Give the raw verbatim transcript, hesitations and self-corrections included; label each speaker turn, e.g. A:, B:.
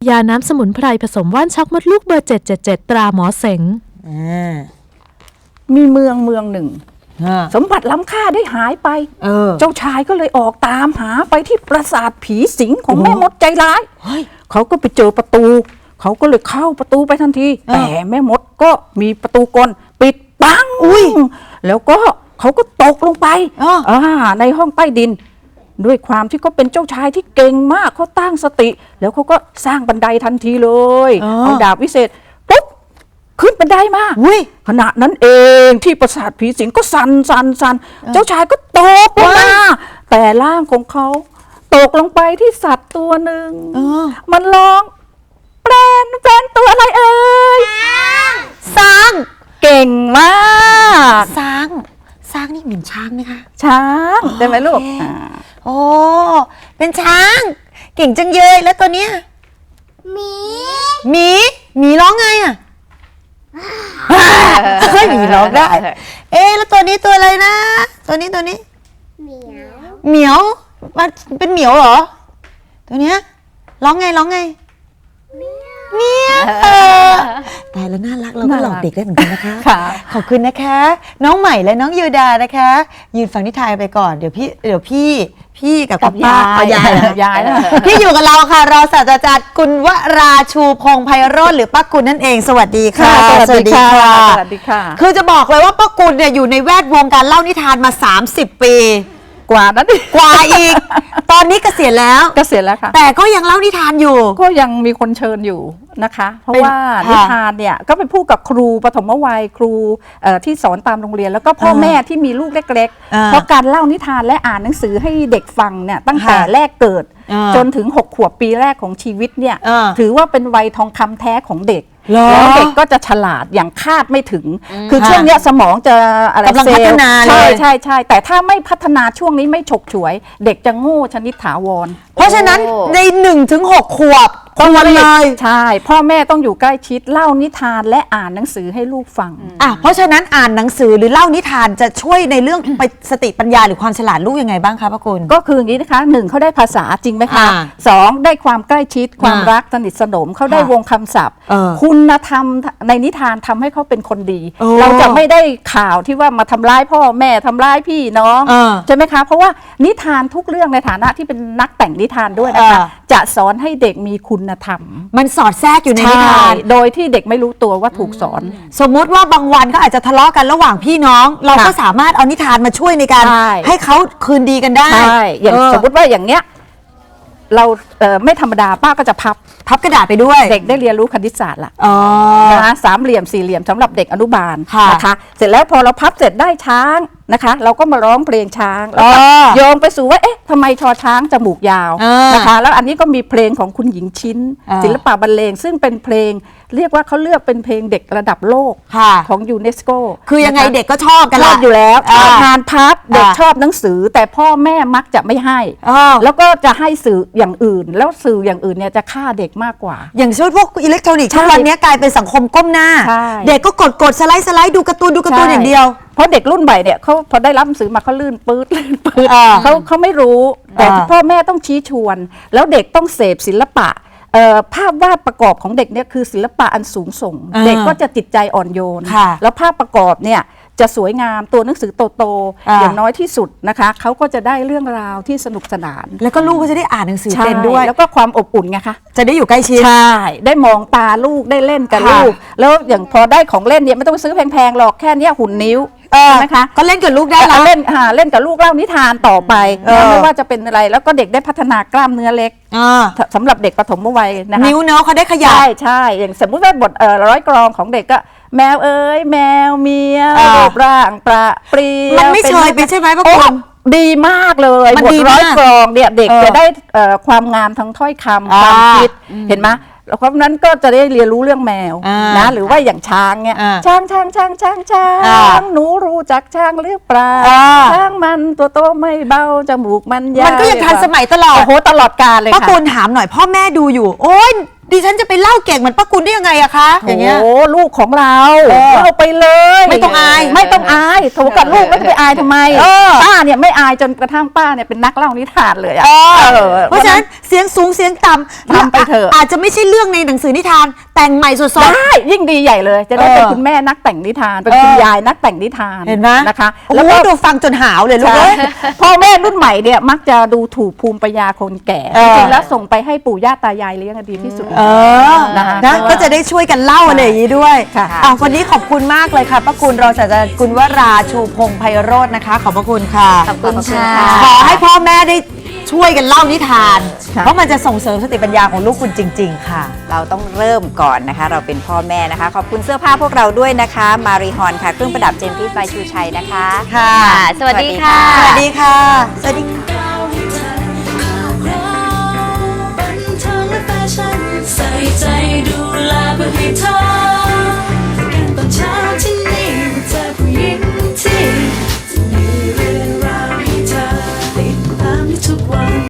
A: ยาน้ำสมุนไพรผสมว่านช็อกมดลูกเบอร์เจ็ดเจ็ดเจ็ดตราหมอเสง
B: มีเมืองเมืองหนึ่งสมบัติล้ำค่าได้หายไปเ, เจ้าชายก็เลยออกตามหาไปที่ปราสาทผีสิงของแม่มดใจร้ายเขาก็ไปเจอประตูเขาก็เลยเข้าประตูไปทันทีแต่แม่มดก็มีประตูกลปิดปังอุ้ยแล้วก็เขาก็ตกลงไปในห้องใต้ดินด้วยความที่เขาเป็นเจ้าชายที่เก่งมากเขาตั้งสติแล้วเขาก็สร้างบันไดทันทีเลยเอาดาบวิเศษปุ๊บขึ้นบันไดมาขณะนั้นเองที่ปราสาทผีสิงก็สั่นสั่นสั่นเจ้าชายก็ตกลงมาแต่ร่างของเขาตกลงไปที่สัตว์ตัวหนึ่งมันร้องแปลนแปลนตัวอะไรเอ่ยช้างเก่งมาก
C: ช้างช้างนี่เหมือนช้างไหมคะ
B: ช้างได้ไหมลูก
C: โอ้เป็นช้างเก่งจังเลยแล้วตัวเนี้ยหมีหมีหมีร้องไงอ่ะเฮ้ยหมีร้องได้เอ๊แล้วตัวนี้ตัวอะไรนะตัวนี้ตัวนี้เหมียวเหมียวมันเป็นเหมียวเหรอตัวเนี้ยร้องไงร้องไงเมียตายแล้วน่ารักเราก็หลอกเด็กได้เหมือนกันนะคะขอบคุณนะคะน้องใหม่และน้องยูดานะคะยืนฟังนิทานไปก่อนเดี๋ยวพี่เดี๋ยวพี่พี่กับคุณป้ายายยายพี่อยู่กับเราค่ะเราศาสตราจารย์กุลวราชูพงษ์ไพโรจน์หรือป้ากุลนั่นเองสวัสดีค่ะ
B: สวัสดีค่ะสวัสดีค่ะ
C: คือจะบอกเลยว่าป้ากุลเนี่ยอยู่ในแวดวงการเล่านิทานมาสามสิบปี
B: กว่านั้น
C: กว่าอีกตอนนี้เกษียณแล้ว
B: เกษียณแล้วค่ะ
C: แต่ก็ยังเล่านิทานอยู่
B: ก็ยังมีคนเชิญอยู่นะคะเพราะว่านิทานเนี่ยก็เป็นผู้กับครูปฐมวัยครูที่สอนตามโรงเรียนแล้วก็พ่อแม่ที่มีลูกเล็กๆเพราะการเล่านิทานและอ่านหนังสือให้เด็กฟังเนี่ยตั้งแต่แรกเกิดจนถึงหกขวบปีแรกของชีวิตเนี่ยถือว่าเป็นวัยทองคำแท้ของเด็กแล้วเด็กก็จะฉลาดอย่างคาดไม่ถึงคือช่วงนี้สมองจะอะไร
C: กำลังพัฒนา
B: ใช่ใช่ใช่แต่ถ้าไม่พัฒนาช่วงนี้ไม่ฉกฉวยเด็กจะโง่ชนิดถาวร
C: เพราะฉะนั้นในหนึ่งถึงหกขวบ
B: ต้องเลยใช่พ่อแม่ต้องอยู่ใกล้ชิดเล่านิทานและอ่านหนังสือให้ลูกฟัง
C: อ่ะเพราะฉะนั้นอ่านหนังสือหรือเล่านิทานจะช่วยในเรื่องไปสติปัญญาหรือความฉลาดลูกยังไงบ้างคะป้ากุล
B: ก็คืออย่างนี้นะคะหนึ่งเขาได้ภาษาจริงไหมคะสองได้ความใกล้ชิดความรักสนิทสนมเขาได้วงคำศัพท์คุณธรรมในนิทานทำให้เขาเป็นคนดีเราจะไม่ได้ข่าวที่ว่ามาทำร้ายพ่อแม่ทำร้ายพี่น้องใช่ไหมคะเพราะว่านิทานทุกเรื่องในฐานะที่เป็นนักแต่งนิทานด้วยนะคะจะสอนให้เด็กมีคุณธรรม
C: มันสอดแทรกอยู่ในนิทาน
B: โดยที่เด็กไม่รู้ตัวว่าถูกสอน
C: สมมุติว่าบางวันก็อาจจะทะเลาะกันระหว่างพี่น้องเราก็สามารถเอานิทานมาช่วยในการให้เขาคืนดีกันได้
B: ใช่อย่างสมมติว่าอย่างเนี้ยเราไม่ธรรมดาป้าก็จะพับ
C: พับกระดาษไปด้วย
B: เด็กได้เรียนรู้คณิตศาสตร์ละนะคะสามเหลี่ยมสี่เหลี่ยมสำหรับเด็กอนุบาลนะคะเสร็จแล้วพอเราพับเสร็จได้ช้างนะคะเราก็มาร้องเพลงช้างแล้วโยงไปสู่ว่าเอ๊ะทำไมชอช้างจมูกยาวนะคะแล้วอันนี้ก็มีเพลงของคุณหญิงชิ้นศิลปะบรรเลงซึ่งเป็นเพลงเรียกว่าเขาเลือกเป็นเพลงเด็กระดับโลกของยูเนสโก
C: คือยังไงเด็กก็ชอบกัน
B: ชอบอยู่แล้วงานพับเด็กชอบหนังสือแต่พ่อแม่มักจะไม่ให้แล้วก็จะให้สื่ออย่างอื่นแล้วสื่ออย่างอื่นเนี่ยจะฆ่าเด็กมากกว่า
C: อย่างเช่นพวกอิเล็กทรอนิกส์ทุกวันนี้กลายเป็นสังคมก้มหน้าเด็กก็กดกดสไลด์สไลด์ดูการ์ตูนดูการ์ตูนอย่างเดียว
B: เพราะเด็กรุ่นใหม่เนี่ยเขาพอได้รับหนังสือมาเขาลื่นปื๊ดลื่นปื๊ดเขาเขาไม่รู้แต่พ่อแม่ต้องชี้ชวนแล้วเด็กต้องเสพศิลปะภาพวาดประกอบของเด็กเนี่ยคือศิลปะอันสูงส่งเด็กก็จะจิตใจอ่อนโยนแล้วภาพประกอบเนี่ยจะสวยงามตัวหนังสือโตๆอย่างน้อยที่สุดนะคะเขาก็จะได้เรื่องราวที่สนุกสนาน
C: แล้วก็ลูกก็จะได้อ่านหนังสือเป็นด้วย
B: แล้วก็ความอบอุ่นไงคะ
C: จะได้อยู่ใกล้ชิด
B: ใช่ได้มองตาลูกได้เล่นกับลูกแล้วอย่างพอได้ของเล่นเนี่ยไม่ต้องซื้อแพงๆหรอกแค่นี้หุ่นนิ้วนะคะ
C: ก็เล่นกับลูกได้
B: แล้วเล่นเล่นกับลูกเล่านิทานต่อไปไม่ว่าจะเป็นอะไรแล้วก็เด็กได้พัฒนากล้ามเนื้อเล็กสำหรับเด็กปฐมวัยนะคะ
C: นิ้วเนาะเขาได้ขยาย
B: ใช่ใช่อย่างสมมุติว่าบทร้อยกรองของเด็กก็แมวเอ้ยแมวเมียรูปร่างประเปรียว
C: มันไม่เฉยไปใช่ไหมป้ากุล
B: ดีมากเลยบทร้อยกรองเนี่ยเด็กจะได้ความงามทั้งถ้อยคำความคิดเห็นไหมเพราะนั้นก็จะได้เรียนรู้เรื่องแมวนะหรือว่าอย่างช้างเนี่ยช้างช้างช้างช้างช้างหนูรู้จักช้างหรือเปล่าช้างมันตัวโตไม่เบาจมูกมันยาว
C: มันก็ยังทันสมัยตลอด
B: โอ้โหตลอดกาลเลยค่ะ
C: ป้ากุลถามหน่อยพ่อแม่ดูอยู่โอ๊ยดิฉันจะไปเล่าเก่งเหมือนป้ากุลได้ยังไงอะคะอย่างเงี้ย
B: โอ้ลูกของเรา
C: เออ
B: เล่าไปเลย
C: ไม่ต้องอาย
B: ไม่ต้องอายโถกับลูกไม่ต้องไปอายทำไม
C: เออ
B: ป้าเนี่ยไม่อายจนกระทั่งป้าเนี่ยเป็นนักเล่านิทานเลยอะ
C: เออ
B: เออ
C: เพราะฉะนั้นเสียงสูงเสียงต่ำ
B: ทำไปเถอะ
C: อาจจะไม่ใช่เรื่องในหนังสือนิทานแต่งใหม่สด
B: ได้ยิ่งดีใหญ่เลย จะได้
C: เออ
B: เป็นคุณแม่นักแต่งนิทานเป็นคุณ
C: เออย
B: ายนักแต่งนิทาน
C: ๆเห็นไหม
B: นะคะ
C: แล้
B: แล้ว ว
C: ก็
B: ก็
C: ดูฟังจนหาวเลยลูก
B: ใช่
C: เอ้ย
B: พ่อแม่รุ่นใหม่เนี่ยมักจะดูถูกภูมิปัญญาคนแก่
C: เออ
B: จริงๆแล้วส่งไปให้ปู่ย่าตายายเลี้ยงดีที่สุด
C: เออ
B: นะคะ
C: นะก็จะได้ช่วยกันเล่าอะไรอย่างนี้ด้วย
B: ค่ะ
C: อ่ะวันนี้ขอบคุณมากเลยค่ะป้ากุลรองศาสตราจารย์กุลวราชูพงษ์ไพโรจน์นะคะ ขอบพระคุณค่ะ
D: ขอบคุณค่ะ
C: ขอให้พ่อแม่ได้ช่วยกันเล่านิทาน
B: ค่ะ
C: เพราะมันจะส่งเสริมสติปัญญาของลูกคุณจริง ๆ ค่ะ
D: เราต้องเริ่มก่อนนะคะ เราเป็นพ่อแม่นะคะ ขอบคุณเสื้อผ้าพวกเราด้วยนะคะ มารีฮอนค่ะ เครื่องประดับเจมส์พีซบายชูชัยนะคะ
C: ค่ะ
D: สวัสดีค่ะ
C: สวัสดีค่ะ สวัสดีค่ะ
E: บันเทิงและแฟชั่นใส่ใจดูแลเพื่อให้เธอ